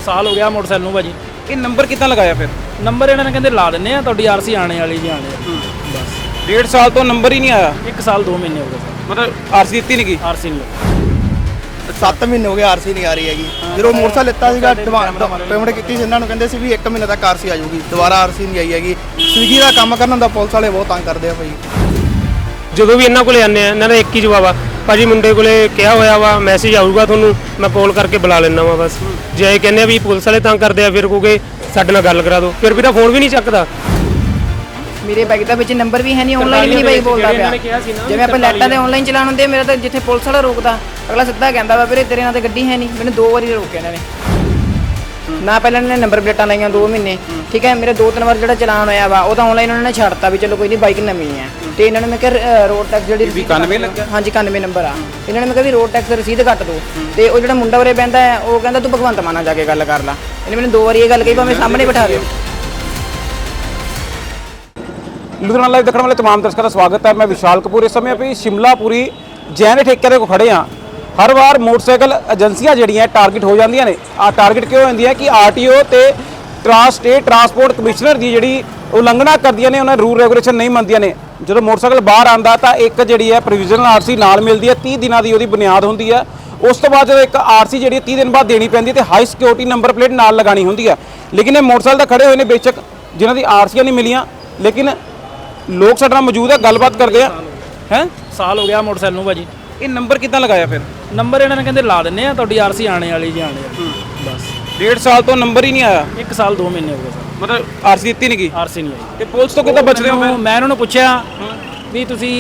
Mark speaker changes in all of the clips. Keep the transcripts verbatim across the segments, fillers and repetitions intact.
Speaker 1: ਸਾਲ ਹੋ ਗਿਆ ਮੋਟਰਸਾਈਕਲ ਨੂੰ ਭਾਜੀ।
Speaker 2: ਇਹ ਨੰਬਰ ਕਿੱਦਾਂ ਲਗਾਇਆ ਫਿਰ?
Speaker 1: ਨੰਬਰ ਇਹਨਾਂ ਨੇ ਕਹਿੰਦੇ ਲਾ ਦਿੰਦੇ ਆ, ਤੁਹਾਡੀ ਆਰਸੀ ਆਣੇ ਵਾਲੀ ਜੀ ਆਣੇ ਬਸ।
Speaker 2: ਡੇਢ ਸਾਲ ਤੋਂ ਨੰਬਰ ਹੀ ਨਹੀਂ ਆਇਆ?
Speaker 1: ਇੱਕ ਸਾਲ ਦੋ ਮਹੀਨੇ ਹੋ ਗਏ ਸਰ।
Speaker 2: ਮਤਲਬ ਆਰਸੀ ਦਿੱਤੀ ਨਹੀਂ ਗਈ?
Speaker 1: ਆਰਸੀ ਨਹੀਂ
Speaker 3: ਸੱਤ ਮਹੀਨੇ ਹੋ ਗਏ ਆਰਸੀ ਨਹੀਂ ਆ ਰਹੀ ਹੈਗੀ। ਜਦੋਂ ਮੋਟਰਸਾਈਕਲ ਲਿੱਤਾ ਸੀਗਾ ਪੇਮੈਂਟ ਕੀਤੀ ਸੀ ਇਹਨਾਂ ਨੂੰ, ਕਹਿੰਦੇ ਸੀ ਵੀ ਇੱਕ ਮਹੀਨੇ ਤੱਕ ਆਰਸੀ ਆ ਜਾਊਗੀ, ਦੁਬਾਰਾ ਆਰਸੀ ਨਹੀਂ ਆਈ ਹੈਗੀ। ਸਵੀਗੀ ਦਾ ਕੰਮ ਕਰਨ ਦਾ ਪੁਲਿਸ ਵਾਲੇ ਬਹੁਤ ਤੰਗ ਕਰਦੇ ਆ ਭਾਈ।
Speaker 4: ਜਦੋਂ ਵੀ ਇਹਨਾਂ ਕੋਲੇ ਆਉਂਦੇ ਆ ਇਹਨਾਂ ਦਾ ਇੱਕ ਹੀ ਜਵਾਬ ਆ, ਭਾਜੀ ਮੁੰਡੇ ਕੋਲੇ ਕਿਹਾ ਹੋਇਆ ਵਾ ਮੈਸੇਜ ਆਊਗਾ ਤੁਹਾਨੂੰ, ਮੈਂ ਕਾਲ ਕਰਕੇ ਬੁਲਾ ਲੈਣਾ ਵਾ ਬਸ। ਜੇ ਇਹ ਕਹਿੰਦੇ ਆ ਵੀ ਪੁਲਿਸ ਵਾਲੇ ਤੰਗ ਕਰਦੇ ਆ ਫਿਰ ਕਹੋਗੇ ਸਾਡੇ ਨਾਲ ਗੱਲ ਕਰਾ ਦਿਓ, ਫਿਰ ਵੀ ਤਾਂ ਫੋਨ ਵੀ ਨਹੀਂ ਚੱਕਦਾ।
Speaker 5: ਮੇਰੇ ਬਾਈਕ ਦਾ ਵਿੱਚ ਨੰਬਰ ਵੀ ਹੈ ਨਹੀਂ, ਆਨਲਾਈਨ ਵੀ ਨਹੀਂ ਬਾਈਕ ਬੋਲਦਾ ਪਿਆ। ਜਿਵੇਂ ਆਪਾਂ ਲੈਟਾਂ ਤੇ ਆਨਲਾਈਨ ਚਲਾਉਣ ਹੁੰਦੇ, ਮੇਰਾ ਤਾਂ ਜਿੱਥੇ ਪੁਲਿਸ ਵਾਲਾ ਰੋਕਦਾ ਅਗਲਾ ਸਿੱਧਾ ਕਹਿੰਦਾ ਵਾ ਵੀਰੇ ਤੇਰੇ ਨਾਲ ਤੇ ਗੱਡੀ ਹੈ ਨਹੀਂ। ਮੈਨੂੰ ਦੋ ਵਾਰੀ ਰੋਕਿਆ ਇਹਨਾਂ ਨੇ ਨਾ, ਪਹਿਲਾਂ ਇਹਨਾਂ ਨੇ ਨੰਬਰ ਪਲੇਟਾਂ ਲਾਈਆਂ ਦੋ ਮਹੀਨੇ, ਠੀਕ ਹੈ। ਮੇਰੇ ਦੋ ਤਿੰਨ ਵਾਰ ਜਿਹੜਾ ਚਲਾਨ ਹੋਇਆ ਵਾ ਉਹ ਤਾਂ ਆਨਲਾਈਨ ਉਹਨਾਂ ਨੇ ਛੱਡਤਾ ਵੀ ਚਲੋ ਕੋਈ ਨਹੀਂ ਬਾਈਕ ਨਵੀਂ ਹੈ। ਤੇ ਇਹਨਾਂ ਨੇ ਮੈਂ ਕਿਹਾ ਰੋਡ ਟੈਕਸ ਜਿਹੜੀ
Speaker 2: ਇਕਾਨਵੇਂ ਲੱਗਿਆ?
Speaker 5: ਹਾਂਜੀ ਇਕਾਨਵੇਂ ਨੰਬਰ ਆ। ਇਹਨਾਂ ਨੇ ਮੈਂ ਕਿਹਾ ਵੀ ਰੋਡ ਟੈਕਸ ਰਸੀਦ ਕੱਟ ਦੋ, ਤੇ ਉਹ ਜਿਹੜਾ ਮੁੰਡਾ ਉਰੇ ਬਹਿੰਦਾ ਹੈ ਉਹ ਕਹਿੰਦਾ ਤੂੰ ਭਗਵੰਤ ਮਾਨ ਨਾਲ ਜਾ ਕੇ ਗੱਲ ਕਰ ਲਾ। ਇਹਨੇ ਮੈਨੂੰ ਦੋ ਵਾਰੀ ਇਹ ਗੱਲ ਕਹੀ, ਭਾਵੇਂ ਸਾਹਮਣੇ ਬਿਠਾ ਦਿਓ।
Speaker 2: ਲੁਧਿਆਣਾ ਲਾਈਵ ਦੇਖਣ ਵਾਲੇ तमाम ਦਰਸ਼ਕਾਂ ਦਾ ਸਵਾਗਤ ਹੈ। ਮੈਂ ਵਿਸ਼ਾਲ ਕਪੂਰ। ਇਸ ਸਮੇਂ ਆਪਾਂ ਸ਼ਿਮਲਾਪੁਰੀ ਜੈਨ ਠੇਕੇ ਦੇ ਕੋਲ ਖੜੇ ਹਾਂ। ਹਰ ਵਾਰ ਮੋਟਰਸਾਈਕਲ ਏਜੰਸੀਆਂ ਜਿਹੜੀਆਂ ਟਾਰਗੇਟ ਹੋ ਜਾਂਦੀਆਂ ਨੇ। ਆ ਟਾਰਗੇਟ ਕਿਉਂ ਹੁੰਦੀ ਹੈ ਕਿ ਆਰਟੀਓ ਤੇ ਟਰਾਂਸ ਸਟੇਟ ਟਰਾਂਸਪੋਰਟ ਕਮਿਸ਼ਨਰ ਦੀ ਜਿਹੜੀ ਉਲੰਘਣਾ ਕਰਦੀਆਂ ਨੇ, ਉਹਨਾਂ ਰੂਲ ਰੈਗੂਲੇਸ਼ਨ ਨਹੀਂ ਮੰਨਦੀਆਂ ਨੇ। ਜਦੋਂ ਮੋਟਰਸਾਈਕਲ ਬਾਹਰ ਆਉਂਦਾ ਤਾਂ ਇੱਕ ਜਿਹੜੀ ਹੈ ਪ੍ਰੋਵੀਜ਼ਨਲ ਆਰਸੀ ਨਾਲ ਮਿਲਦੀ ਹੈ, ਤੀਹ ਦਿਨਾਂ ਦੀ ਉਹਦੀ ਬੁਨਿਆਦ ਹੁੰਦੀ ਹੈ। ਉਸ ਤੋਂ ਬਾਅਦ ਜਦੋਂ ਇੱਕ ਆਰਸੀ ਜਿਹੜੀ ਤੀਹ ਦਿਨ ਬਾਅਦ ਦੇਣੀ ਪੈਂਦੀ ਹੈ ਤੇ ਹਾਈ ਸਿਕਿਉਰਿਟੀ ਨੰਬਰ ਪਲੇਟ ਨਾਲ ਲਗਾਣੀ ਹੁੰਦੀ ਹੈ। ਲੇਕਿਨ ਇਹ ਮੋਟਰਸਾਈਕਲ ਤਾਂ ਖੜੇ ਹੋਏ ਨੇ ਬੇਸ਼ੱਕ, ਜਿਨ੍ਹਾਂ ਦੀ ਆਰਸੀਆਂ ਨਹੀਂ ਮਿਲੀਆਂ, ਲੇਕਿਨ ਲੋਕ ਸਾਡੇ ਨਾਲ ਮੌਜੂਦ ਹੈ, ਗੱਲਬਾਤ ਕਰਦੇ ਆ। ਹੈ
Speaker 1: ਸਾਲ ਹੋ ਗਿਆ ਮੋਟਰਸਾਈਕਲ ਨੂੰ ਭਾਜੀ।
Speaker 2: ਇਹ ਨੰਬਰ ਕਿੱਦਾਂ ਲਗਾਇਆ ਫਿਰ?
Speaker 1: ਨੰਬਰ ਇਹਨਾਂ ਨੇ ਕਹਿੰਦੇ ਲਾ ਦਿੰਦੇ ਆ, ਤੁਹਾਡੀ ਆਰਸੀ ਆਣੇ ਵਾਲੀ ਜੀ ਆਣੇ ਬਸ।
Speaker 2: ਡੇਢ ਸਾਲ ਤੋਂ ਨੰਬਰ ਹੀ ਨਹੀਂ ਆਇਆ?
Speaker 1: ਇੱਕ ਸਾਲ ਦੋ ਮਹੀਨੇ ਹੋ ਗਏ ਸਰ।
Speaker 2: ਮਤਲਬ ਆਰਸੀ ਦਿੱਤੀ ਨਹੀਂ ਗਈ?
Speaker 1: ਆਰਸੀ ਨਹੀਂ ਆਈ।
Speaker 2: ਤੇ ਪੁਲਿਸ ਤੋਂ ਕਿੱਦਾਂ ਬਚ ਰਹੇ ਹੋ?
Speaker 1: ਮੈਂ ਇਹਨਾਂ ਨੂੰ ਪੁੱਛਿਆ ਵੀ ਤੁਸੀਂ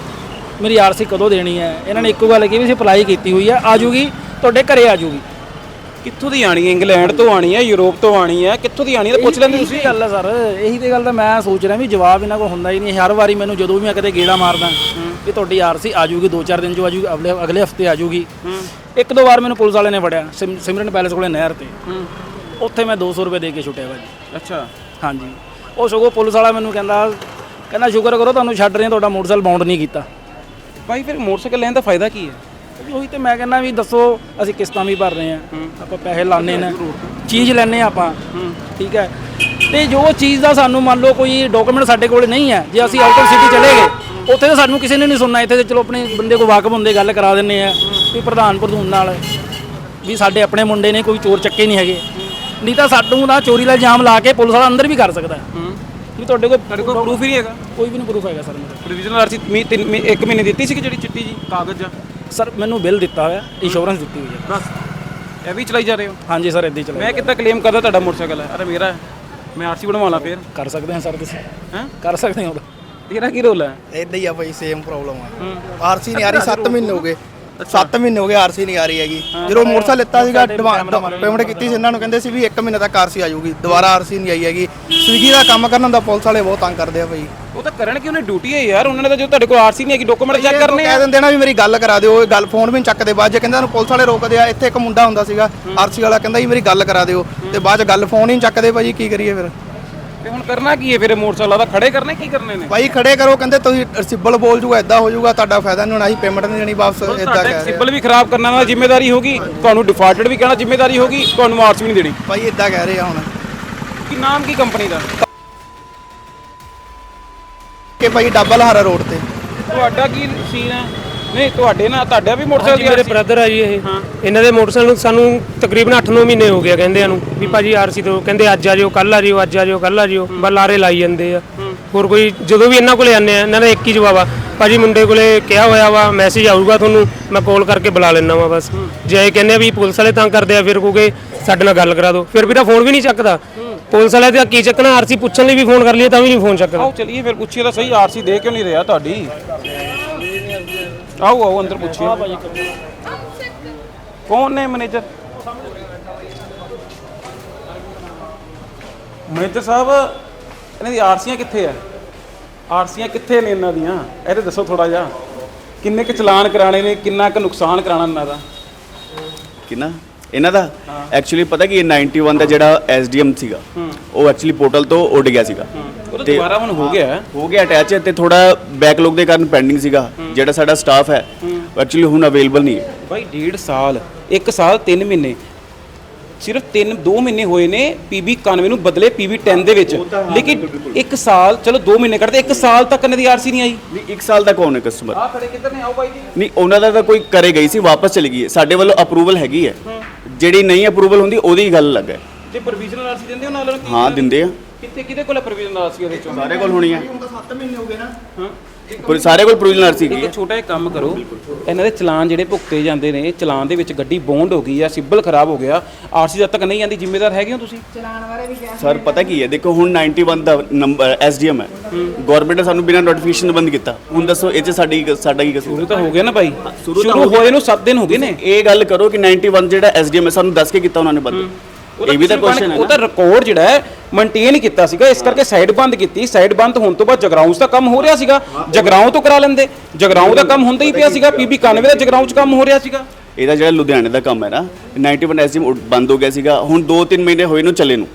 Speaker 1: ਮੇਰੀ ਆਰਸੀ ਕਦੋਂ ਦੇਣੀ ਹੈ? ਇਹਨਾਂ ਨੇ ਇੱਕੋ ਗੱਲ ਕਹੀ ਵੀ ਅਸੀਂ ਅਪਲਾਈ ਕੀਤੀ ਹੋਈ ਆ, ਆ ਜੂਗੀ ਤੁਹਾਡੇ ਘਰੇ ਆ ਜੂਗੀ।
Speaker 2: ਕਿੱਥੋਂ ਦੀ ਆਣੀ ਹੈ? ਇੰਗਲੈਂਡ ਤੋਂ ਆਣੀ ਹੈ, ਯੂਰਪ ਤੋਂ ਆਣੀ ਹੈ, ਕਿੱਥੋਂ ਦੀ ਆਣੀ ਹੈ? ਪੁੱਛ ਲੈਂਦੇ ਤੁਸੀਂ।
Speaker 1: ਗੱਲ ਹੈ ਸਰ, ਇਹੀ ਤੇ ਗੱਲ ਤਾਂ ਮੈਂ ਸੋਚ ਰਿਹਾ ਵੀ ਜਵਾਬ ਇਹਨਾਂ ਕੋਲ ਹੁੰਦਾ ਹੀ ਨਹੀਂ। ਹਰ ਵਾਰੀ ਮੈਨੂੰ ਜਦੋਂ ਵੀ ਮੈਂ ਕਦੇ ਗੇੜਾ ਮਾਰਦਾ ਵੀ ਤੁਹਾਡੀ ਆਰਸੀ ਆ ਜੂਗੀ, ਦੋ ਚਾਰ ਦਿਨ 'ਚ ਆ ਜੂਗੀ, ਅਗਲੇ ਅਗਲੇ ਹਫਤੇ ਆ ਜੂਗੀ। ਇੱਕ ਦੋ ਵਾਰ ਮੈਨੂੰ ਪੁਲਿਸ ਵਾਲੇ ਨੇ ਫੜਿਆ ਸਿਮਰਨ ਪੈਲੇਸ ਕੋਲੇ ਨਹਿਰ ਤੇ, ਉੱਥੇ ਮੈਂ ਦੋ ਸੌ ਰੁਪਏ ਦੇ ਕੇ ਛੁੱਟਿਆ ਭਾਜੀ।
Speaker 2: ਅੱਛਾ।
Speaker 1: ਹਾਂਜੀ, ਉਹ ਸਗੋਂ ਪੁਲਿਸ ਵਾਲਾ ਮੈਨੂੰ ਕਹਿੰਦਾ ਕਹਿੰਦਾ ਸ਼ੁਕਰ ਕਰੋ ਤੁਹਾਨੂੰ ਛੱਡ ਰਹੇ, ਤੁਹਾਡਾ ਮੋਟਰਸਾਈਕਲ ਬਾਉਂਡ ਨਹੀਂ ਕੀਤਾ।
Speaker 2: ਭਾਈ ਫਿਰ ਮੋਟਰਸਾਈਕਲ ਲੈਣ ਦਾ ਫਾਇਦਾ ਕੀ ਹੈ?
Speaker 1: ਉਹੀ ਤੇ ਮੈਂ ਕਹਿੰਦਾ ਵੀ ਦੱਸੋ, ਅਸੀਂ ਕਿਸ਼ਤਾਂ ਵੀ ਭਰ ਰਹੇ ਹਾਂ, ਆਪਾਂ ਪੈਸੇ ਲਾਣੇ ਨੇ, ਚੀਜ਼ ਲੈਣੇ ਆਪਾਂ, ਠੀਕ ਹੈ। ਤੇ ਜੋ ਚੀਜ਼ ਦਾ ਸਾਨੂੰ ਮੰਨ ਲਓ ਕੋਈ ਡਾਕੂਮੈਂਟ ਸਾਡੇ ਕੋਲ ਨਹੀਂ ਹੈ, ਜੇ ਅਸੀਂ ਆਊਟ ਆਫ ਸਿਟੀ ਚਲੇ ਗਏ ਉੱਥੇ ਤਾਂ ਸਾਨੂੰ ਕਿਸੇ ਨੇ ਨਹੀਂ ਸੁਣਨਾ। ਇੱਥੇ ਤੇ ਚਲੋ ਆਪਣੇ ਬੰਦੇ ਕੋਲ ਵਾਕਫ ਹੁੰਦੇ, ਗੱਲ ਕਰਾ ਦਿੰਦੇ ਆ ਵੀ ਪ੍ਰਧਾਨ ਪ੍ਰਧੂਨ ਨਾਲ ਵੀ ਸਾਡੇ ਆਪਣੇ ਮੁੰਡੇ ਨੇ, ਕੋਈ ਚੋਰ ਚੱਕੇ ਨਹੀਂ ਹੈਗੇ। ਨਹੀਂ ਤਾਂ ਸਾਨੂੰ ਦਾ ਚੋਰੀ ਦਾ ਇਲਜ਼ਾਮ ਲਾ ਕੇ ਪੁਲਿਸ ਵਾਲਾ ਅੰਦਰ ਵੀ ਕਰ ਸਕਦਾ ਵੀ ਤੁਹਾਡੇ ਕੋਲ
Speaker 2: ਤੁਹਾਡੇ ਕੋਲ ਪ੍ਰੂਫ ਹੀ ਨਹੀਂ ਹੈਗਾ?
Speaker 1: ਕੋਈ ਵੀ ਨਹੀਂ ਪ੍ਰੂਫ ਹੈਗਾ ਸਰ। ਮੇਰੇ
Speaker 2: ਪ੍ਰੋਵੀਜ਼ਨਲ ਆਰਸੀ ਇੱਕ ਮਹੀਨੇ ਦਿੱਤੀ ਸੀ ਕਿ ਜਿਹੜੀ ਚਿੱਟੀ ਜੀ ਕਾਗਜ਼ ਆ?
Speaker 1: ਸਰ ਮੈਨੂੰ ਬਿੱਲ ਦਿੱਤਾ ਹੋਇਆ, ਇੰਸ਼ੋਰੈਂਸ ਦਿੱਤੀ ਹੋਈ ਹੈ
Speaker 2: ਬਸ। ਇਹ ਵੀ ਚਲਾਈ ਜਾ ਰਹੇ ਹੋ?
Speaker 1: ਹਾਂਜੀ ਸਰ, ਇੱਦਾਂ ਹੀ ਚਲਾ।
Speaker 2: ਮੈਂ ਕਿੱਦਾਂ ਕਲੇਮ ਕਰਦਾ ਤੁਹਾਡਾ ਮੋਟਰਸਾਈਕਲ ਹੈ? ਅਰੇ ਮੇਰਾ ਹੈ, ਮੈਂ ਆਰਸੀ ਬਣਵਾ ਲਾਂ ਫਿਰ?
Speaker 1: ਕਰ ਸਕਦੇ ਹਾਂ ਸਰ, ਤੁਸੀਂ
Speaker 2: ਹੈਂ
Speaker 1: ਕਰ ਸਕਦੇ ਹੋ।
Speaker 2: ਤੇਰਾ ਕੀ ਰੋਲ ਹੈ?
Speaker 3: ਇਦਾਂ ਹੀ ਆ ਭਾਈ, ਸੇਮ ਪ੍ਰੋਬਲਮ ਆ। ਆਰਸੀ ਨਹੀਂ ਆ ਰਹੀ, ਸੱਤ ਮਹੀਨੇ ਹੋ ਗਏ ਸੱਤ ਮਹੀਨੇ ਹੋ ਗਏ ਆਰਸੀ ਨਹੀਂ ਆ ਰਹੀ ਹੈਗੀ। ਜਦੋਂ ਮੋਟਰਸਾਈਕਲ ਲਿੱਤਾ ਸੀਗਾ ਪੇਮੈਂਟ ਕੀਤੀ ਸੀ ਇਹਨਾਂ ਨੂੰ, ਕਹਿੰਦੇ ਸੀ ਵੀ ਇੱਕ ਮਹੀਨੇ ਤੱਕ ਆਰਸੀ ਆ ਜਾਊਗੀ, ਦੁਬਾਰਾ ਆਰਸੀ ਨਹੀਂ ਆਈ ਹੈਗੀ। ਸਵੀਗੀ ਦਾ ਕੰਮ ਕਰਨ ਦਾ ਪੁਲਿਸ ਵਾਲੇ ਬਹੁਤ ਤੰਗ ਕਰਦੇ ਆ ਭਾਈ।
Speaker 2: ਉਹ ਤਾਂ ਕਰਨ ਕਿ ਉਹਨੇ ਡਿਊਟੀ ਹੈ ਯਾਰ, ਉਹਨਾਂ ਨੇ ਤਾਂ ਜੋ ਤੁਹਾਡੇ ਕੋਲ ਆਰਸੀ ਨਹੀਂ ਹੈਗੀ ਡਾਕੂਮੈਂਟ ਚੈੱਕ ਕਰਨੇ ਆ।
Speaker 3: ਕਹਿ ਦਿੰਦੇ ਨਾ ਵੀ ਮੇਰੀ ਗੱਲ ਕਰਾ ਦਿਓ, ਗੱਲ ਫੋਨ ਵੀ ਨਹੀਂ ਚੱਕਦੇ। ਬਾਅਦ ਜੇ ਕਹਿੰਦੇ ਨੂੰ ਪੁਲਿਸ ਵਾਲੇ ਰੋਕਦੇ ਆ। ਇੱਥੇ ਇੱਕ ਮੁੰਡਾ ਹੁੰਦਾ ਸੀਗਾ ਆਰਸੀ ਵਾਲਾ, ਕਹਿੰਦਾ ਜੀ ਮੇਰੀ ਗੱਲ ਕਰਾ ਦਿਓ, ਤੇ ਬਾਅਦ ਚ ਗੱਲ ਫੋਨ ਹੀ ਨਹੀਂ ਚੱਕਦੇ ਭਾਜੀ। ਕੀ ਕਰੀਏ ਫਿਰ?
Speaker 2: ਤੇ ਹੁਣ ਕਰਨਾ ਕੀ ਹੈ ਫਿਰ? ਮੋਟਰਸਾਈਕਲ ਦਾ ਖੜੇ ਕਰਨੇ ਕੀ ਕਰਨੇ ਨੇ?
Speaker 3: ਭਾਈ ਖੜੇ ਕਰੋ, ਕਹਿੰਦੇ ਤੁਸੀਂ ਰਿਸੀਬਲ ਬੋਲ ਜੂਗਾ, ਇਦਾਂ ਹੋ ਜੂਗਾ, ਤੁਹਾਡਾ ਫਾਇਦਾ ਨਹੀਂ ਹੋਣਾ, ਅਸੀਂ ਪੇਮੈਂਟ ਨਹੀਂ ਦੇਣੀ ਵਾਪਸ। ਇਦਾਂ ਕਹਿ ਰਹੇ
Speaker 2: ਸਿਬਲ ਵੀ ਖਰਾਬ ਕਰਨਾ ਦਾ ਜ਼ਿੰਮੇਵਾਰੀ ਹੋਗੀ ਤੁਹਾਨੂੰ, ਡਿਫਾਲਟਡ ਵੀ ਕਹਿਣਾ ਜ਼ਿੰਮੇਵਾਰੀ ਹੋਗੀ ਤੁਹਾਨੂੰ, ਆਰਸੀ ਵੀ ਨਹੀਂ ਦੇਣੀ।
Speaker 3: ਭਾਈ ਇਦਾਂ ਕਹਿ ਰਹੇ ਆ ਹੁਣ।
Speaker 2: ਕੀ ਨਾਮ ਕੀ ਕੰਪਨੀ ਦਾ?
Speaker 3: ਕਿ ਭਾਈ ਡਬਲ ਹਾਰਾ ਰੋਡ ਤੇ।
Speaker 2: ਤੁਹਾਡਾ ਕੀ ਸੀਨ ਹੈ? ਨਹੀਂ ਤੁਹਾਡੇ ਨਾਲ ਤੁਹਾਡਾ ਵੀ ਮੋਟਰਸਾਈਕਲ?
Speaker 4: ਮੇਰੇ ਬ੍ਰਦਰ ਆ ਜੀ ਇਹ, ਇਹਨਾਂ ਦੇ ਮੋਟਰਸਾਈਕਲ ਨੂੰ ਸਾਨੂੰ ਤਕਰੀਬਨ ਅੱਠ ਨੌ ਮਹੀਨੇ ਹੋ ਗਏ ਕਹਿੰਦੇ ਨੂੰ ਵੀ ਭਾਜੀ ਆਰਸੀ ਤੋਂ, ਕਹਿੰਦੇ ਅੱਜ ਆ ਜਿਓ, ਕੱਲ ਆ ਜਿਓ, ਅੱਜ ਆ ਜਿਓ, ਕੱਲ ਆ ਜਿਓ, ਬਸ ਲਾਰੇ ਲਾਈ ਜਾਂਦੇ ਆ। ਹੋਰ ਕੋਈ ਜਦੋਂ ਵੀ ਇਹਨਾਂ ਕੋਲੇ ਆਉਂਦੇ ਆ ਇਹਨਾਂ ਦਾ ਇੱਕ ਹੀ ਜਵਾਬ ਆ, ਭਾਜੀ ਮੁੰਡੇ ਕੋਲੇ ਕਿਹਾ ਹੋਇਆ ਵਾ ਮੈਸੇਜ ਆਊਗਾ ਤੁਹਾਨੂੰ, ਮੈਂ ਕਾਲ ਕਰਕੇ ਬੁਲਾ ਲੈਣਾ ਵਾ ਬਸ। ਜੇ ਇਹ ਕਹਿੰਦੇ ਆ ਵੀ ਪੁਲਿਸ ਵਾਲੇ ਤੰਗ ਕਰਦੇ ਆ ਫਿਰ ਕਹੋਗੇ ਸਾਡੇ ਨਾਲ ਗੱਲ ਕਰਾ ਦਿਓ, ਫਿਰ ਵੀ ਤਾਂ ਫੋਨ ਵੀ ਨਹੀਂ ਚੱਕਦਾ ਪੁਲਿਸ ਵਾਲੇ। ਤੇ ਕੀ ਚੱਕਣਾ, ਆਰਸੀ ਪੁੱਛਣ ਲਈ ਵੀ ਫੋਨ ਕਰ ਲਈਏ ਤਾਂ ਵੀ ਨਹੀਂ ਫੋਨ ਚੱਕਦਾ।
Speaker 2: ਆਓ ਚਲਿਏ ਫਿਰ ਪੁੱਛੀਏ ਤਾਂ ਸਹੀ, ਆਰਸੀ ਦੇ ਕਿਉਂ ਨਹੀਂ ਰਿਹਾ ਤੁਹਾਡੀ? ਆਓ ਆਓ ਅੰਦਰ ਪੁੱਛੀਏ। ਕੌਣ ਨੇ ਮੈਨੇਜਰ? ਮੈਨੇਜਰ ਸਾਹਿਬ ਇਹਨਾਂ ਦੀ ਆਰਸੀਆਂ ਕਿੱਥੇ ਆ? ਆਰਸੀਆਂ ਕਿੱਥੇ ਨੇ ਇਹਨਾਂ ਦੀਆਂ? ਇਹ ਤਾਂ ਦੱਸੋ ਥੋੜਾ ਜਿਹਾ, ਕਿੰਨੇ ਕੁ ਚਲਾਨ ਕਰਾਣੇ ਨੇ, ਕਿੰਨਾ ਕੁ ਨੁਕਸਾਨ ਕਰਾਣਾ ਇਹਨਾਂ ਦਾ?
Speaker 6: ਕਿੰਨਾ ਇਹਨਾਂ ਦਾ ਐਕਚੁਅਲੀ ਪਤਾ ਕਿ ਇਹ ਇਕਾਨਵੇਂ ਦਾ ਜਿਹੜਾ ਐਸਡੀਐਮ ਸੀਗਾ ਉਹ ਐਕਚੁਅਲੀ ਪੋਰਟਲ ਤੋਂ ਉੱਡ ਗਿਆ ਸੀਗਾ,
Speaker 2: ਉਹ ਦੁਬਾਰਾ ਹੁਣ ਹੋ ਗਿਆ
Speaker 6: ਹੋ ਗਿਆ ਅਟੈਚ, ਤੇ ਥੋੜਾ ਬੈਕਲੌਗ ਦੇ ਕਾਰਨ ਪੈਂਡਿੰਗ ਸੀਗਾ। ਜਿਹੜਾ ਸਾਡਾ ਸਟਾਫ ਹੈ ਐਕਚੁਅਲੀ ਹੁਣ ਅਵੇਲੇਬਲ ਨਹੀਂ ਹੈ।
Speaker 2: ਭਾਈ ਡੇਢ ਸਾਲ, ਇੱਕ ਸਾਲ ਤਿੰਨ ਮਹੀਨੇ ਸਿਰਫ ਤਿੰਨ ਦੋ ਮਹੀਨੇ ਹੋਏ ਨੇ ਪੀਬੀ ਇਕਾਨਵੇਂ ਨੂੰ ਬਦਲੇ ਪੀਬੀ ਦਸ ਦੇ ਵਿੱਚ, ਲੇਕਿਨ ਇੱਕ ਸਾਲ ਚਲੋ ਦੋ ਮਹੀਨੇ ਕੱਢਦੇ, ਇੱਕ ਸਾਲ ਤੱਕ ਇਹਨਾਂ ਦੀ ਆਰਸੀ ਨਹੀਂ ਆਈ।
Speaker 6: ਨਹੀਂ ਇੱਕ ਸਾਲ ਦਾ ਕੌਣ ਹੈ ਕਸਟਮਰ?
Speaker 2: ਆ ਖੜੇ ਕਿੱਧਰ ਨੇ, ਆਓ ਬਾਈ ਜੀ।
Speaker 6: ਨਹੀਂ ਉਹਨਾਂ ਦਾ ਤਾਂ ਕੋਈ ਕਰੇ ਗਈ ਸੀ, ਵਾਪਸ ਚਲੀ ਗਈ ਹੈ। ਸਾਡੇ ਵੱਲੋਂ ਅਪਰੂਵਲ ਹੈਗੀ ਹੈ, ਜਿਹੜੀ ਨਹੀਂ ਅਪਰੂਵਲ ਹੁੰਦੀ ਉਹਦੀ ਗੱਲ ਅਲੱਗ ਹੈ।
Speaker 2: ਜੇ ਪ੍ਰੋਵੀਜ਼ਨਲ ਆਰਸੀ ਦਿੰਦੇ ਹੋ ਨਾਲ ਨੂੰ
Speaker 6: ਹਾਂ ਦਿੰਦੇ ਆ,
Speaker 2: ਕਿੱਥੇ ਕਿਹਦੇ ਕੋਲ ਪ੍ਰੋਵੀਜ਼ਨਲ ਆਰਸੀ ਉਹਦੇ ਚੋਂ?
Speaker 6: ਸਾਰੇ ਕੋਲ ਹੋਣੀ ਹੈ।
Speaker 3: ਹੁਣ ਤਾਂ ਸੱਤ ਮਹੀਨੇ ਹੋ ਗਏ ਨਾ।
Speaker 2: ਹਾਂ
Speaker 6: ਪਰ ਸਾਰੇ ਕੋਲ ਪ੍ਰੋਵੀਜ਼ਨਲ ਆਰਸੀ ਹੈਗੀ ਹੈ।
Speaker 2: ਇੱਕ ਛੋਟਾ ਜਿਹਾ ਕੰਮ ਕਰੋ, ਇਹਨਾਂ ਦੇ ਚਲਾਨ ਜਿਹੜੇ ਭੁਗਤੇ ਜਾਂਦੇ ਨੇ, ਚਲਾਨ ਦੇ ਵਿੱਚ ਗੱਡੀ ਬੌਂਡ ਹੋ ਗਈ ਆ, ਸਿਬਲ ਖਰਾਬ ਹੋ ਗਿਆ, ਆਰਸੀ ਜਦ ਤੱਕ ਨਹੀਂ ਆਂਦੀ ਜ਼ਿੰਮੇਦਾਰ ਹੈਗੇ ਹੋ ਤੁਸੀਂ?
Speaker 5: ਚਲਾਨ ਬਾਰੇ ਵੀ ਕਿਹਾ
Speaker 6: ਸਰ ਪਤਾ ਕੀ ਹੈ, ਦੇਖੋ ਹੁਣ ਇਕਾਨਵੇਂ ਦਾ ਨੰਬਰ ਐਸਡੀਐਮ ਹੈ, ਗਵਰਨਮੈਂਟ ਨੇ ਸਾਨੂੰ ਬਿਨਾਂ ਨੋਟੀਫਿਕੇਸ਼ਨ ਬੰਦ ਕੀਤਾ। ਹੁਣ ਦੱਸੋ ਇਹ 'ਚ ਸਾਡੀ ਸਾਡਾ ਕੀ ਕਸੂਰ?
Speaker 2: ਸ਼ੁਰੂ ਤਾਂ ਹੋ ਗਿਆ ਨਾ ਬਾਈ,
Speaker 6: ਸ਼ੁਰੂ ਤਾਂ
Speaker 2: ਸ਼ੁਰੂ
Speaker 6: ਹੋ ਗਿਆ।
Speaker 2: ਹੋਏ ਨੂੰ ਸੱਤ ਦਿਨ ਹੋ ਗਏ ਨੇ।
Speaker 6: ਇਹ ਗੱਲ ਕਰੋ ਕਿ ਇਕਾਨਵੇਂ ਜਿਹੜਾ ਐਸਡੀਐਮ ਹੈ ਸਾਨੂੰ ਦੱਸ ਕੇ ਕੀਤਾ ਉਹਨਾਂ ਨੇ ਬੰਦ। ਇਹ ਵੀ ਤਾਂ ਕੁਐਸਚਨ ਹੈ
Speaker 2: ਉਹ ਤਾਂ
Speaker 6: ਨਾ।
Speaker 2: ਰਿਕਾਰਡ ਜਿਹੜਾ ਹੈ ਮੇਨਟੇਨ ਕੀਤਾ ਸੀਗਾ, ਇਸ ਕਰਕੇ ਸਾਈਡ ਬੰਦ ਕੀਤੀ। ਸਾਈਡ ਬੰਦ ਹੋਣ ਤੋਂ ਬਾਅਦ ਜਗਰਾਉਂ ਦਾ ਕੰਮ ਹੋ ਰਿਹਾ ਸੀਗਾ, ਜਗਰਾਉਂ ਤੋਂ ਕਰਾ ਲੈਂਦੇ, ਜਗਰਾਉਂ ਦਾ ਕੰਮ ਹੁੰਦਾ ਹੀ ਪਿਆ ਸੀਗਾ, ਪੀਬੀ ਇਕਾਨਵੇਂ ਦਾ ਜਗਰਾਉਂ 'ਚ ਕੰਮ ਹੋ ਰਿਹਾ ਸੀਗਾ।
Speaker 6: ਇਹਦਾ ਜਿਹੜਾ ਲੁਧਿਆਣੇ ਦਾ ਕੰਮ ਹੈ ਨਾ, ਇਕਾਨਵੇਂ ਐਸਡੀਐਮ ਬੰਦ ਹੋ ਗਿਆ ਸੀਗਾ। ਹੁਣ ਦੋ ਤਿੰਨ ਮਹੀਨੇ ਹੋਏ ਨੂੰ ਚੱਲੇ ਨੂੰ,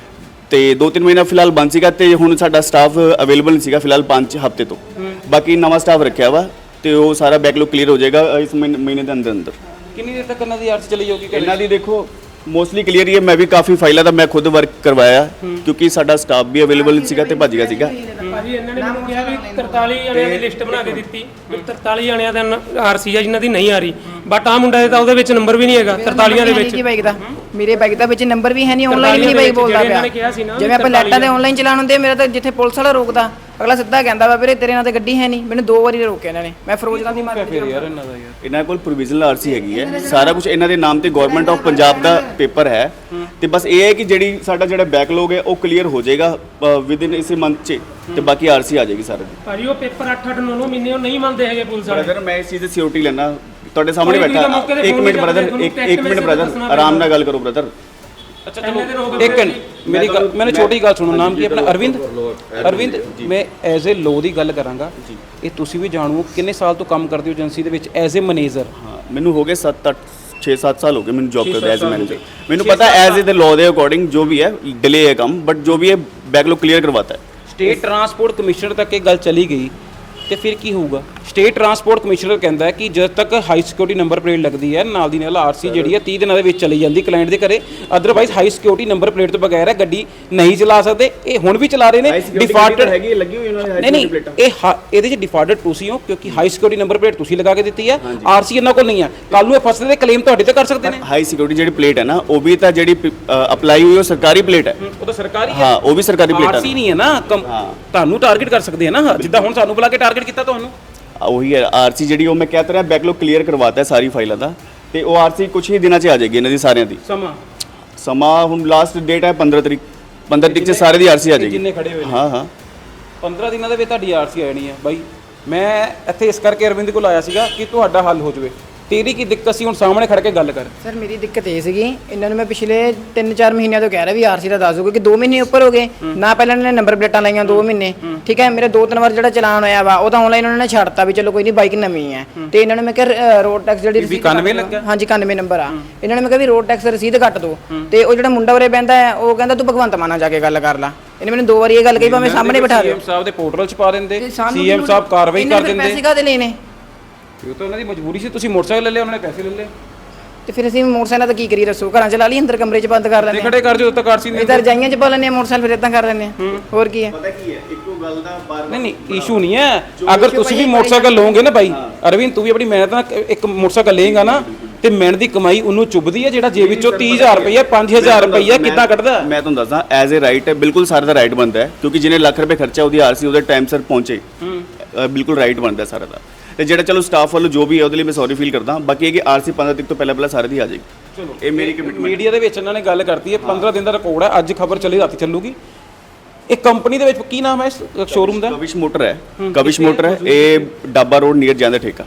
Speaker 6: ਤੇ ਦੋ ਤਿੰਨ ਮਹੀਨਾ ਫਿਲਹਾਲ ਬੰਦ ਸੀਗਾ, ਤੇ ਹੁਣ ਸਾਡਾ ਸਟਾਫ ਅਵੇਲੇਬਲ ਨਹੀਂ ਸੀਗਾ ਫਿਲਹਾਲ ਪੰਜ ਹਫ਼ਤੇ ਤੋਂ। ਬਾਕੀ ਨਵਾਂ ਸਟਾਫ ਰੱਖਿਆ ਵਾ, ਤੇ ਉਹ ਸਾਰਾ ਬੈਕਲੌਗ ਕਲੀਅਰ ਹੋ ਜਾਏਗਾ ਇਸ ਮਹੀਨੇ ਮਹੀਨੇ ਦੇ ਅੰਦਰ ਅੰਦਰ।
Speaker 2: ਕਿੰਨੀ ਦੇਰ ਤੱਕ ਇਹਨਾਂ ਦੀ ਆਰਸੀ ਚਲੀ ਜਾਊਗੀ?
Speaker 6: ਇਹਨਾਂ ਦੀ ਦੇਖੋ ਮੋਸਟਲੀ ਕਲੀਅਰ ਹੀ ਹੈ। ਮੈਂ ਵੀ ਕਾਫੀ ਫਾਈਲਾਂ ਦਾ ਮੈਂ ਖੁਦ ਵਰਕ ਕਰਵਾਇਆ, ਕਿਉਂਕਿ ਸਾਡਾ ਸਟਾਫ ਵੀ ਅਵੇਲੇਬਲ ਸੀਗਾ ਤੇ ਭੱਜ ਗਿਆ ਸੀਗਾ।
Speaker 4: ਭਾਜੀ ਇਹਨਾਂ ਨੇ ਮੈਨੂੰ ਕਿਹਾ ਵੀ ਤਰਤਾਲੀ ਜਣਿਆਂ ਦੀ ਲਿਸਟ ਬਣਾ ਕੇ ਦਿੱਤੀ ਵੀ ਤਰਤਾਲੀ ਜਣਿਆਂ ਦਾ ਆਰਸੀ ਆ ਜਿਨ੍ਹਾਂ ਦੀ ਨਹੀਂ ਆ ਰਹੀ, ਬਟ ਆ ਮੁੰਡਾ ਦੇ ਤਾਂ ਉਹਦੇ ਵਿੱਚ ਨੰਬਰ ਵੀ ਨਹੀਂ ਹੈਗਾ ਤਰਤਾਲੀਆਂ ਦੇ ਵਿੱਚ।
Speaker 5: ਕੀ ਬਾਈਕ ਦਾ ਮੇਰੇ ਬਾਈਕ ਦਾ ਵਿੱਚ ਨੰਬਰ ਵੀ ਹੈ ਨਹੀਂ, ਆਨਲਾਈਨ ਨਹੀਂ ਬਾਈਕ ਬੋਲਦਾ ਪਿਆ। ਜਿਵੇਂ ਆਪਾਂ ਲੈਟਾਂ ਤੇ ਆਨਲਾਈਨ ਚਲਾਣ ਹੁੰਦੇ, ਮੇਰਾ ਤਾਂ ਜਿੱਥੇ ਪੁਲਿਸ ਵਾਲਾ ਰੋਕਦਾ, ਅਗਲਾ ਸਿੱਧਾ ਕਹਿੰਦਾ ਵਾ ਵੀਰੇ ਤੇਰੇ ਨਾਲ ਤਾਂ ਗੱਡੀ ਹੈ ਨਹੀਂ। ਮੈਨੂੰ ਦੋ ਵਾਰੀ ਰੋਕਿਆ ਇਹਨਾਂ ਨੇ, ਮੈਂ ਫਿਰੋਜ਼ਗਾਂ ਦੀ ਮਾਰ
Speaker 2: ਫਿਰ ਯਾਰ ਇਹਨਾਂ ਦਾ ਯਾਰ
Speaker 6: ਇਹਨਾਂ ਕੋਲ ਪ੍ਰੋਵੀਜ਼ਨਲ ਆਰਸੀ ਹੈਗੀ ਹੈ, ਸਾਰਾ ਕੁਝ ਇਹਨਾਂ ਦੇ ਨਾਮ ਤੇ ਗਵਰਨਮੈਂਟ ਆਫ ਪੰਜਾਬ ਦਾ ਪੇਪਰ ਹੈ। ਤੇ ਬਸ ਇਹ ਹੈ ਕਿ ਜਿਹੜੀ ਸਾਡਾ ਜਿਹੜਾ ਬੈਕਲੌਗ ਹੈ ਉਹ ਕਲੀਅਰ ਹੋ ਜਾਏਗਾ ਵਿਦ ਇਨ ਇਸੇ ਮੰਥ 'ਚ, ਤੇ ਬਾਕੀ ਆਰਸੀ ਆ ਜਾਏਗੀ ਸਾਰੇ ਦੀ।
Speaker 4: ਭਾਜੀ ਉਹ ਪੇਪਰ ਅੱਠ ਅੱਠ ਨੌ ਨੌ ਮਹੀਨੇ ਉਹ ਨਹੀਂ ਮੰਨਦੇ ਹੈਗੇ ਪੁਲਿਸ ਵਾਲੇ।
Speaker 6: ਬ੍ਰਦਰ ਮੈਂ ਇਸ ਚੀਜ਼ ਦੀ ਸਿਕਿਉਰਿਟੀ ਲੈਣਾ, ਤੁਹਾਡੇ ਸਾਹਮਣੇ
Speaker 4: ਕੋਈ
Speaker 6: ਬੈਠਾ।
Speaker 4: ਮੌਕੇ ਤੇ
Speaker 6: ਇੱਕ
Speaker 4: ਫੋਨ
Speaker 6: ਮਿੰਟ
Speaker 4: ਨਹੀਂ
Speaker 6: ਬ੍ਰਦਰ,
Speaker 4: ਕਰਦੇ,
Speaker 6: ਇੱਕ
Speaker 4: ਤੁਹਾਨੂੰ
Speaker 6: ਇੱਕ ਮਿੰਟ
Speaker 4: text
Speaker 6: ਬ੍ਰਦਰ,
Speaker 4: message
Speaker 6: ਆਰਾਮ ਨਾਲ ਗੱਲ ਕਰੋ ਬ੍ਰਦਰ।
Speaker 2: ਅੱਛਾ ਚਲੋ ਇੱਕ ਮੇਰੀ ਗੱਲ, ਮੈਨੂੰ ਛੋਟੀ ਗੱਲ ਸੁਣੋ। ਨਾਮ ਕੀ ਆਪਣਾ? ਅਰਵਿੰਦ। ਅਰਵਿੰਦ, ਮੈਂ ਐਜ਼ ਏ ਲੋ ਦੀ ਗੱਲ ਕਰਾਂਗਾ। ਇਹ ਤੁਸੀਂ ਵੀ ਜਾਣੋ ਕਿੰਨੇ ਸਾਲ ਤੋਂ ਕੰਮ ਕਰਦੇ ਹੋ ਏਜੰਸੀ ਦੇ ਵਿੱਚ ਐਜ਼ ਏ ਮੈਨੇਜਰ?
Speaker 6: ਹਾਂ ਮੈਨੂੰ ਹੋ ਗਏ ਸੱਤ ਅੱਠ ਛੇ ਸੱਤ ਸਾਲ ਹੋ ਗਏ ਮੈਨੂੰ ਜੌਬ ਕਰਦੇ ਐਜ਼ ਮੈਨੇਜਰ। ਮੈਨੂੰ ਪਤਾ ਐਜ਼ ਏ ਦ ਲਾਅ ਦੇ ਅਕੋਰਡਿੰਗ ਜੋ ਵੀ ਹੈ ਡਿਲੇ ਹੈ ਕੰਮ, ਬਟ ਜੋ ਵੀ ਹੈ ਬੈਕਲੌਗ ਕਲੀਅਰ ਕਰਵਾਤਾ ਹੈ।
Speaker 2: ਸਟੇਟ ਟਰਾਂਸਪੋਰਟ ਕਮਿਸ਼ਨਰ ਤੱਕ ਇਹ ਗੱਲ ਚਲੀ ਗਈ ਤੇ ਫਿਰ ਕੀ ਹੋਊਗਾ? ਸਟੇਟ ਟਰਾਂਸਪੋਰਟ ਕਮਿਸ਼ਨਰ ਕਹਿੰਦਾ ਹੈ ਕਿ ਜਦ ਤੱਕ ਹਾਈ ਸਿਕਿਉਰਿਟੀ ਨੰਬਰ ਪਲੇਟ ਲੱਗਦੀ ਹੈ, ਨਾਲ ਦੀ ਨਾਲ ਆਰਸੀ ਜਿਹੜੀ ਹੈ ਤੀਹ ਦਿਨਾਂ ਦੇ ਵਿੱਚ ਚਲੀ ਜਾਂਦੀ ਕਲਾਇੰਟ ਦੇ ਘਰੇ। Otherwise high security number plate ਤੋਂ ਬਗੈਰ ਗੱਡੀ ਨਹੀਂ ਚਲਾ ਸਕਦੇ। ਇਹ ਹੁਣ ਵੀ ਚਲਾ ਰਹੇ ਨੇ। ਡਿਫਾਲਟਡ
Speaker 6: ਹੈਗੀ ਲੱਗੀ ਹੋਈ ਉਹਨਾਂ ਨੇ
Speaker 2: ਨਹੀਂ ਨਹੀਂ, ਇਹ ਹਾ- ਇਹਦੇ 'ਚ ਡਿਫਾਲਟਡ ਤੁਸੀਂ ਹੋ, ਕਿਉਂਕਿ ਹਾਈ ਸਿਕਿਉਰਿਟੀ ਨੰਬਰ ਪਲੇਟ ਤੁਸੀਂ ਲਗਾ ਕੇ ਦਿੱਤੀ ਹੈ, ਆਰਸੀ ਇਹਨਾਂ ਕੋਲ ਨਹੀਂ ਹੈ। ਕੱਲ ਨੂੰ ਇਹ ਫਸਦੇ ਦੇ ਕਲੇਮ ਤੁਹਾਡੇ ਤੇ ਕਰ ਸਕਦੇ ਨੇ।
Speaker 6: ਹਾਈ ਸਿਕਿਉਰਿਟੀ ਜਿਹੜੀ ਪਲੇਟ ਹੈ ਨਾ, ਉਹ ਵੀ ਤਾਂ ਜਿਹੜੀ ਅਪਲਾਈ ਹੋਈ ਉਹ ਸਰਕਾਰੀ ਪਲੇਟ ਹੈ।
Speaker 2: ਉਹ ਤਾਂ ਸਰਕਾਰੀ ਹੈ।
Speaker 6: ਹਾਂ ਉਹ ਵੀ ਸਰਕਾਰੀ ਪਲੇਟ
Speaker 2: ਆਰਸੀ ਨਹੀਂ ਹੈ ਨਾ। ਕਮ- ਤੁਹਾਨੂੰ ਟਾਰਗੇਟ ਕਰ ਸਕਦੇ ਆ ਨਾ, ਜਿੱਦਾਂ ਹੁਣ ਸਾਨੂੰ ਬੁਲਾ ਕੇ ਟਾਰਗੇਟ ਕੀਤਾ ਤੁਹਾਨੂੰ।
Speaker 6: ਉਹੀ ਹੈ ਆਰਸੀ ਜਿਹੜੀ, ਉਹ ਮੈਂ ਕਹਿ ਤਾ ਰਿਹਾ ਬੈਕਲੌਗ ਕਲੀਅਰ ਕਰਵਾਤਾ ਹੈ ਸਾਰੀ ਫਾਈਲਾਂ ਦਾ, ਤੇ ਉਹ ਆਰਸੀ ਕੁਝ ਹੀ ਦਿਨਾਂ 'ਚ ਆ ਜਾਏਗੀ ਇਹਨਾਂ ਦੀ ਸਾਰਿਆਂ ਦੀ।
Speaker 2: ਸਮਾਂ
Speaker 6: ਸਮਾਂ ਹੁਣ ਲਾਸਟ ਡੇਟ ਹੈ ਪੰਦਰਾਂ ਤਰੀਕ, ਪੰਦਰਾਂ ਤਰੀਕ 'ਚ ਸਾਰੇ ਦੀ ਆਰਸੀ ਆ ਜਾਏਗੀ।
Speaker 2: ਜਿੰਨੇ ਖੜੇ ਹੋਏ ਨੇ
Speaker 6: ਹਾਂ ਹਾਂ
Speaker 2: ਪੰਦਰਾਂ ਦਿਨਾਂ ਦੇ ਵਿੱਚ ਤੁਹਾਡੀ ਆਰਸੀ ਆ ਜਾਣੀ ਹੈ ਬਾਈ। ਮੈਂ ਇੱਥੇ ਇਸ ਕਰਕੇ ਅਰਵਿੰਦ ਕੋਲ ਆਇਆ ਸੀਗਾ ਕਿ ਤੁਹਾਡਾ ਹੱਲ ਹੋ ਜਾਵੇ। ਤੇਰੀ ਕੀ ਦਿੱਕਤ ਸੀ? ਹੁਣ ਸਾਹਮਣੇ ਖੜ ਕੇ ਗੱਲ ਕਰ।
Speaker 5: ਸਰ ਮੇਰੀ ਦਿੱਕਤ ਇਹ ਸੀਗੀ, ਇਹਨਾਂ ਨੂੰ ਮੈਂ ਪਿਛਲੇ ਤਿੰਨ ਚਾਰ ਮਹੀਨਿਆਂ ਤੋਂ ਕਹਿ ਰਿਹਾ ਵੀ ਆਰਸੀ ਦਾ ਦੱਸ ਦਿਓ, ਕਿਉਂਕਿ ਦੋ ਮਹੀਨੇ ਉੱਪਰ ਹੋ ਗਏ ਨਾ। ਪਹਿਲਾਂ ਇਹਨਾਂ ਨੇ ਨੰਬਰ ਪਲੇਟਾਂ ਲਾਈਆਂ ਦੋ ਮਹੀਨੇ, ਠੀਕ ਹੈ। ਮੇਰੇ ਦੋ ਤਿੰਨ ਵਾਰ ਜਿਹੜਾ ਚਲਾਨ ਹੋਇਆ ਵਾ ਉਹ ਤਾਂ ਆਨਲਾਈਨ ਉਹਨਾਂ ਨੇ ਛੱਡਤਾ ਵੀ ਚਲੋ ਕੋਈ ਨਹੀਂ ਬਾਈਕ ਨਵੀਂ ਹੈ। ਤੇ ਇਹਨਾਂ ਨੇ ਮੈਂ ਕਿਹਾ ਰੋਡ ਟੈਕਸ ਜਿਹੜੀ ਰਸੀਦ
Speaker 2: ਇਕਾਨਵੇਂ ਲੱਗਾ?
Speaker 5: ਹਾਂਜੀ ਇਕਾਨਵੇਂ ਨੰਬਰ ਆ। ਇਹਨਾਂ ਨੇ ਮੈਂ ਕਿਹਾ ਵੀ ਰੋਡ ਟੈਕਸ ਰਸੀਦ ਕੱਟ ਦਿਓ, ਤੇ ਉਹ ਜਿਹੜਾ ਮੁੰਡਾ ਉਰੇ ਬਹਿੰਦਾ ਹੈ ਉਹ ਕਹਿੰਦਾ ਤੂੰ ਭਗਵੰਤ ਮਾਨ ਨਾਲ ਜਾ ਕੇ ਗੱਲ ਕਰ ਲਾ। ਇਹਨੇ ਮੈਨੂੰ ਦੋ ਵਾਰੀ ਇਹ ਗੱਲ ਕਹੀ, ਭਾਵੇਂ ਸਾਹਮਣੇ ਬਿਠਾ ਦਿਓ।
Speaker 2: ਸੀਐਮ ਸਾਹਿਬ ਦੇ ਪੋਰਟਲ 'ਚ ਪਾ ਦਿੰਦੇ,
Speaker 5: ਤੇ ਸਾਨੂੰ
Speaker 2: ਸੀਐਮ ਸਾਹਿਬ ਕਾਰਵਾਈ ਕਰ ਦਿੰਦੇ।
Speaker 5: ਪੈਸੇ ਕਾਹਦੇ ਲੈਣੇ?
Speaker 2: ਇਹ ਤਾਂ ਉਹਨਾਂ ਦੀ ਮਜਬੂਰੀ ਸੀ। ਤੁਸੀਂ ਮੋਟਰਸਾਈਕਲ ਲੈ ਲਿਆ, ਉਹਨਾਂ ਨੇ ਪੈਸੇ ਲੈ ਲਏ।
Speaker 5: ਤੇ ਫਿਰ ਅਸੀਂ ਮੋਟਰਸਾਈਕਲ ਤਾਂ ਕੀ ਕਰੀਏ ਦੱਸੋ? ਘਰਾਂ ਚ ਲਾ ਲਈ, ਅੰਦਰ ਕਮਰੇ ਚ ਬੰਦ ਕਰ ਲੈਂਦੇ
Speaker 2: ਖੜੇ ਕਰ ਜੋ ਤੱਕ ਆਰਸੀ ਨਹੀਂ।
Speaker 5: ਇਧਰ ਰਜਾਈਆਂ ਚ ਪਾ ਲੈਂਦੇ ਆ ਮੋਟਰਸਾਈਕਲ, ਫਿਰ ਇਦਾਂ ਕਰ ਲੈਂਦੇ ਆ। ਹੋਰ ਕੀ ਹੈ?
Speaker 6: ਪਤਾ ਕੀ ਹੈ, ਇੱਕੋ ਗੱਲ ਦਾ ਬਾਰ
Speaker 2: ਨਹੀਂ ਨਹੀਂ ਇਸ਼ੂ ਨਹੀਂ ਹੈ। ਅਗਰ ਤੁਸੀਂ ਵੀ ਮੋਟਰਸਾਈਕਲ ਲਓਗੇ ਨਾ ਬਾਈ ਅਰਵਿੰਦ, ਤੂੰ ਵੀ ਆਪਣੀ ਮਿਹਨਤ ਨਾਲ ਇੱਕ ਮੋਟਰਸਾਈਕਲ ਲਏਗਾ ਨਾ, ਤੇ ਮਿਹਨਤ ਦੀ ਕਮਾਈ ਉਹਨੂੰ ਚੁੱਭਦੀ ਹੈ ਜਿਹੜਾ ਜੇਬ ਵਿੱਚੋਂ ਤੀਹ ਹਜ਼ਾਰ ਰੁਪਈਆ ਪੰਜ ਹਜ਼ਾਰ ਰੁਪਈਆ ਕਿੱਦਾਂ ਕੱਢਦਾ?
Speaker 6: ਮੈਂ ਤੁਹਾਨੂੰ ਦੱਸਦਾ ਐਜ਼ ਏ ਰਾਈਟ ਹੈ, ਬਿਲਕੁਲ ਸਾਰਾ ਦਾ ਰਾਈਟ ਬਣਦਾ ਹੈ, ਕਿਉਂਕਿ ਜਿਹਨੇ ਲੱਖ ਰੁਪਏ ਖਰਚਾ ਉਹਦੀ ਆਰਸੀ ਉਹਦੇ ਟਾਈਮ ਸਿਰ ਪਹੁੰਚੇ, ਬਿਲਕੁਲ ਰਾਈਟ ਬਣਦਾ ਸਾਰਾ ਦਾ। ਤੇ ਜਿਹੜਾ ਚਲੋ ਸਟਾਫ ਵੱਲੋਂ ਜੋ ਵੀ ਹੈ ਉਹਦੇ ਲਈ ਮੈਂ ਸੌਰੀ ਫੀਲ ਕਰਦਾ। ਬਾਕੀ ਇਹ ਕਿ ਆਰਸੀ ਪੰਦਰਾਂ ਤਰੀਕ ਤੋਂ ਪਹਿਲਾਂ ਪਹਿਲਾਂ ਸਾਰੇ ਦੀ ਆ ਜਾਏਗੀ। ਚਲੋ ਇਹ ਮੇਰੀ ਕਮਿਟਮੈਂਟ।
Speaker 2: ਮੀਡੀਆ ਦੇ ਵਿੱਚ ਇਹਨਾਂ ਨੇ ਗੱਲ ਕਰਤੀ ਹੈ ਪੰਦਰਾਂ ਦਿਨ ਦਾ ਰਿਕਾਰਡ ਹੈ। ਅੱਜ ਖਬਰ ਚੱਲੀ, ਰਾਤੀ ਚੱਲੂਗੀ। ਇਹ ਕੰਪਨੀ ਦੇ ਵਿੱਚ ਕੀ ਨਾਮ ਹੈ ਇਸ ਸ਼ੋਰੂਮ ਦਾ?
Speaker 6: ਕਵਿਸ਼ ਮੋਟਰ ਹੈ। ਕਵਿਸ਼ ਮੋਟਰ ਹੈ, ਇਹ ਡੱਬਾ ਰੋਡ ਨੀਅਰ ਜਾਂਦਾ ਠੇਕਾ।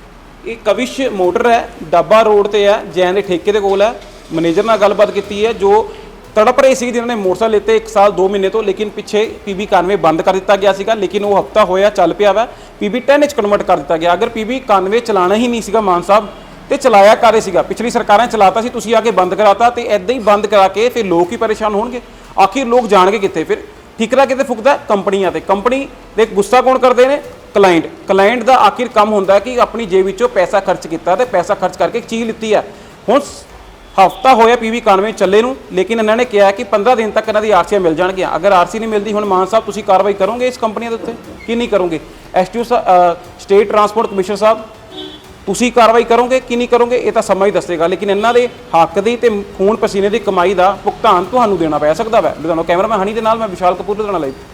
Speaker 2: ਇਹ ਕਵਿਸ਼ ਮੋਟਰ ਹੈ, ਡੱਬਾ ਰੋਡ ਤੇ ਹੈ, ਜੈਨ ਦੇ ਠੇਕੇ ਦੇ ਕੋਲ ਹੈ। ਮੈਨੇਜਰ ਨਾਲ ਗੱਲਬਾਤ ਕੀਤੀ ਹੈ ਜੋ ਤੜਪ ਰਹੇ ਸੀ ਜਿਹਨਾਂ ਨੇ ਮੋਟਰਸਾਈਕਲ ਲਿੱਤੇ ਇੱਕ ਸਾਲ ਦੋ ਮਹੀਨੇ ਤੋਂ, ਲੇਕਿਨ ਪਿੱਛੇ ਪੀਬੀ ਇਕਾਨਵੇਂ ਬੰਦ ਕਰ ਦਿੱਤਾ ਗਿਆ ਸੀਗਾ, ਲੇਕਿਨ ਉਹ ਹਫਤਾ ਹੋਇਆ ਚੱਲ ਪਿਆ ਵਾ। ਪੀਬੀ ਦਸ ਵਿੱਚ ਕਨਵਰਟ ਕਰ ਦਿੱਤਾ ਗਿਆ। ਅਗਰ ਪੀਬੀ ਇਕਾਨਵੇਂ ਚਲਾਣਾ ਹੀ ਨਹੀਂ ਸੀਗਾ ਮਾਨ ਸਾਹਿਬ, ਤੇ ਚਲਾਇਆ ਕਾਰੇ ਸੀਗਾ? ਪਿਛਲੀ ਸਰਕਾਰਾਂ ਚਲਾਤਾ ਸੀ, ਤੁਸੀਂ ਆ ਕੇ ਬੰਦ ਕਰਾਤਾ, ਤੇ ਐਦਾਂ ਹੀ ਬੰਦ ਕਰਾ ਕੇ ਫਿਰ ਲੋਕ ਹੀ ਪਰੇਸ਼ਾਨ ਹੋਣਗੇ। ਆਖਿਰ ਲੋਕ ਜਾਣਗੇ ਕਿੱਥੇ? ਫਿਰ ਠਿਕਰਾ ਕਿਤੇ ਫੁਕਦਾ? ਕੰਪਨੀਆਂ ਤੇ। ਕੰਪਨੀ ਦੇ ਗੁੱਸਾ ਕੌਣ ਕਰਦੇ ਨੇ? ਕਲਾਇੰਟ। ਕਲਾਇੰਟ ਦਾ ਆਖਿਰ ਕੰਮ ਹੁੰਦਾ ਕਿ ਆਪਣੀ ਜੇਬ ਵਿੱਚੋਂ ਪੈਸਾ ਖਰਚ ਕੀਤਾ ਤੇ ਪੈਸਾ ਖਰਚ ਕਰਕੇ ਇੱਕ ਚੀਜ਼ ਲਿੱਤੀ ਹੈ। ਹੁਣ ਹਫਤਾ ਹੋਇਆ ਪੀਵੀ ਇਕਾਨਵੇਂ ਚੱਲੇ ਨੂੰ, ਲੇਕਿਨ ਇਹਨਾਂ ਨੇ ਕਿਹਾ ਕਿ ਪੰਦਰਾਂ ਦਿਨ ਤੱਕ ਇਹਨਾਂ ਦੀ ਆਰਸੀਆਂ ਮਿਲ ਜਾਣਗੀਆਂ। ਅਗਰ ਆਰਸੀ ਨਹੀਂ ਮਿਲਦੀ, ਹੁਣ ਮਾਨ ਸਾਹਿਬ ਤੁਸੀਂ ਕਾਰਵਾਈ ਕਰੋਗੇ ਇਸ ਕੰਪਨੀਆਂ ਦੇ ਉੱਤੇ ਕਿ ਨਹੀਂ ਕਰੋਗੇ? ਐਸਟੀਓ ਸਟੇਟ ਟਰਾਂਸਪੋਰਟ ਕਮਿਸ਼ਨਰ ਸਾਹਿਬ, ਤੁਸੀਂ ਕਾਰਵਾਈ ਕਰੋਗੇ ਕਿ ਨਹੀਂ ਕਰੋਗੇ? ਇਹ ਤਾਂ ਸਮਾਂ ਹੀ ਦੱਸੇਗਾ, ਲੇਕਿਨ ਇਹਨਾਂ ਦੇ ਹੱਕ ਦੀ ਤੇ ਖੂਨ ਪਸੀਨੇ ਦੀ ਕਮਾਈ ਦਾ ਭੁਗਤਾਨ ਤੁਹਾਨੂੰ ਦੇਣਾ ਪੈ ਸਕਦਾ ਹੈ। ਲੁਧਿਆਣਾ ਕੈਮਰਾਮੈਨ ਹਨੀ ਦੇ ਨਾਲ ਮੈਂ ਵਿਸ਼ਾਲ ਕਪੂਰ, ਲੁਧਿਆਣਾ ਲਾਈਵ।